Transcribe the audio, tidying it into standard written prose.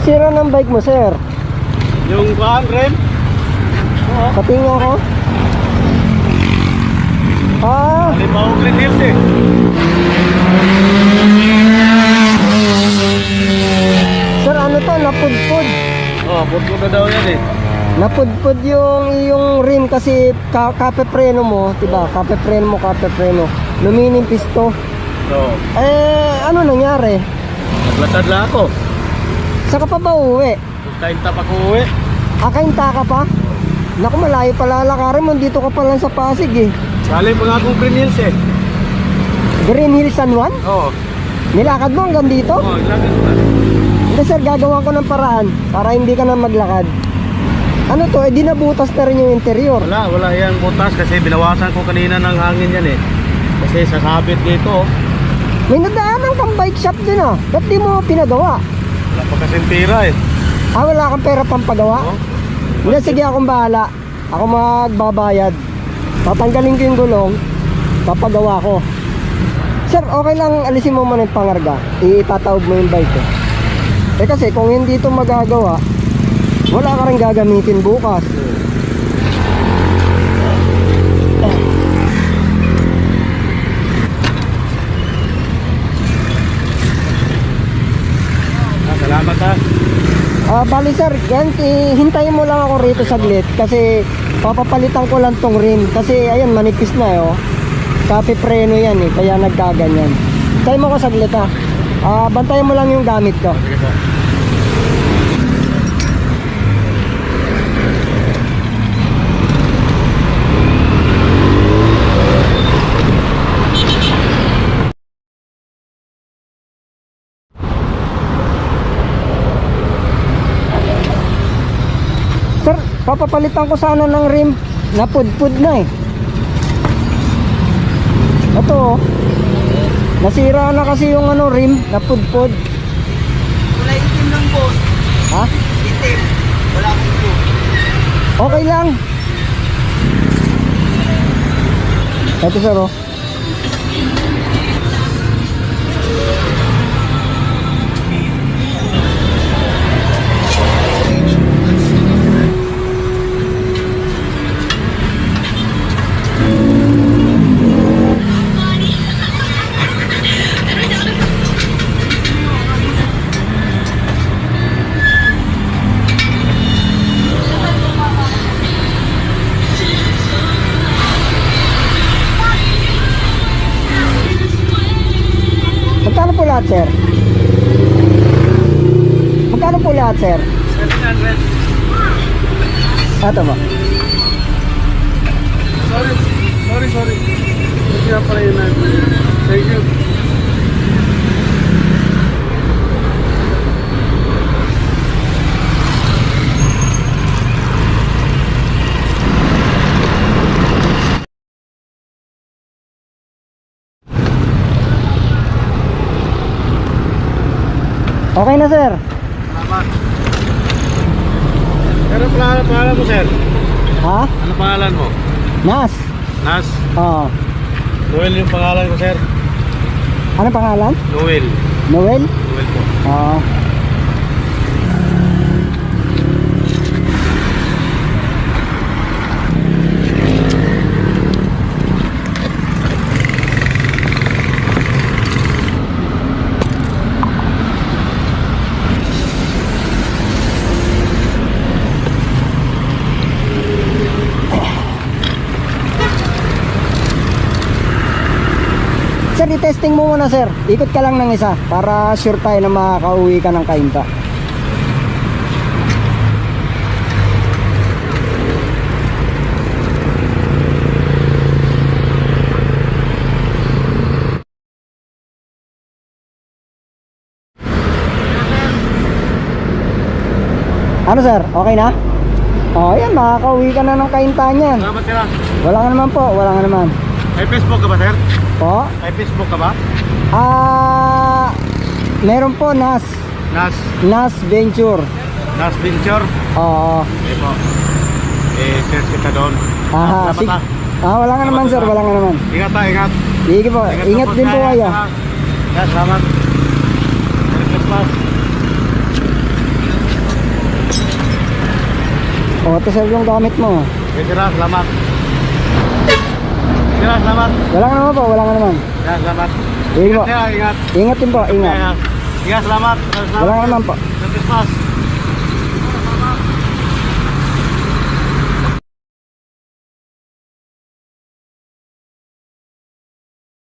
Anong sira ng bike mo, sir? Yung kuhaan, rim? Patingin ko. Halimbawa Green Hills eh. Sir, ano to? Napudpud. Putlo na daw yan eh. Napudpud yung rim kasi kape preno mo, diba? Kape preno. Lumining pisto. So, Ano nangyari? naglatad lang ako. Saka pa ba uwi? Kain tap ako uwi. Akainta ka pa? Naku, malayo pala lakarin mo. Dito ka pa lang sa Pasig eh. Galing pa nga akong Green Hills eh. Green Hills San Juan? Oo. Nilakad mo hanggang dito? Lagyan mo na. Hindi sir, gagawa ko ng paraan para hindi ka na maglakad. Ano to? Di nabutas na rin yung interior. Wala yan butas kasi binawasan ko kanina ng hangin yan eh. Kasi sasabit dito. May nadaanan kang bike shop din ah. Ba't di mo pinagawa? Wala pa kasing pira eh. Wala kang pera pang pagawa? Oo. Hindi, sige akong bahala. Ako magbabayad. Tatanggalin ko yung gulong. Papagawa ko. Sir, okay lang alisin mo muna yung pangarga. Itatawag mo yung bike ko. Kasi kung hindi ito magagawa, wala ka rin gagamitin bukas. Salamat ha. Bali sir, hintayin mo lang ako rito saglit kasi papapalitan ko lang tong rim kasi ayan manipis na oh. Kape preno yan eh, kaya nagkaganyan. Hintayin mo ko saglit ha. Bantayan mo lang yung gamit ko. Sige po. Sir, papapalitan ko sana ng rim. Napudpud na eh. Ito oh. Nasira na kasi yung rim, napudpud. Kulay itim lang boss. Ha? Itim. Wala akong blue. Okay lang. Ito sir oh. Magkano po lahat, sir? Magkano po lahat, sir? 700. Ito ba? Sorry. Hindi na pala yun. Thank you. Okay na, sir. Salamat. Pero pangalan mo sir? Ha? Ano pangalan mo? Nas. Nas? Oo. Noel yung pangalan ko sir. Ano pangalan? Noel. Noel? Noel po. Oo. Sir, i-testing mo muna sir. Ikot ka lang ng isa para sure tayo na makakauwi ka ng Cainta. Ano sir? Okay na? Oh, yan, makakauwi ka na ng Cainta niyan. Salamat sir. Wala nga naman po, wala nga naman. May Facebook ka ba sir? Po? May Facebook ka ba? Meron po Nas Venture. Nas Venture? Oo. Okay po. Search kita doon. Aha, Salamat wala nga naman sir, wala nga naman. Ingat ha, ingat. Sige po, ingat din po kayo. Salamat. Merry Christmas. O, ito sir yung gamit mo. Okay, sir, salamat. Sir, salamat. Wala ka naman po, wala ka naman. Sir, salamat. Sige po. Sir, ingat. Ingat din po, ingat. Ingat, salamat. Wala ka naman po. Sir, Christmas.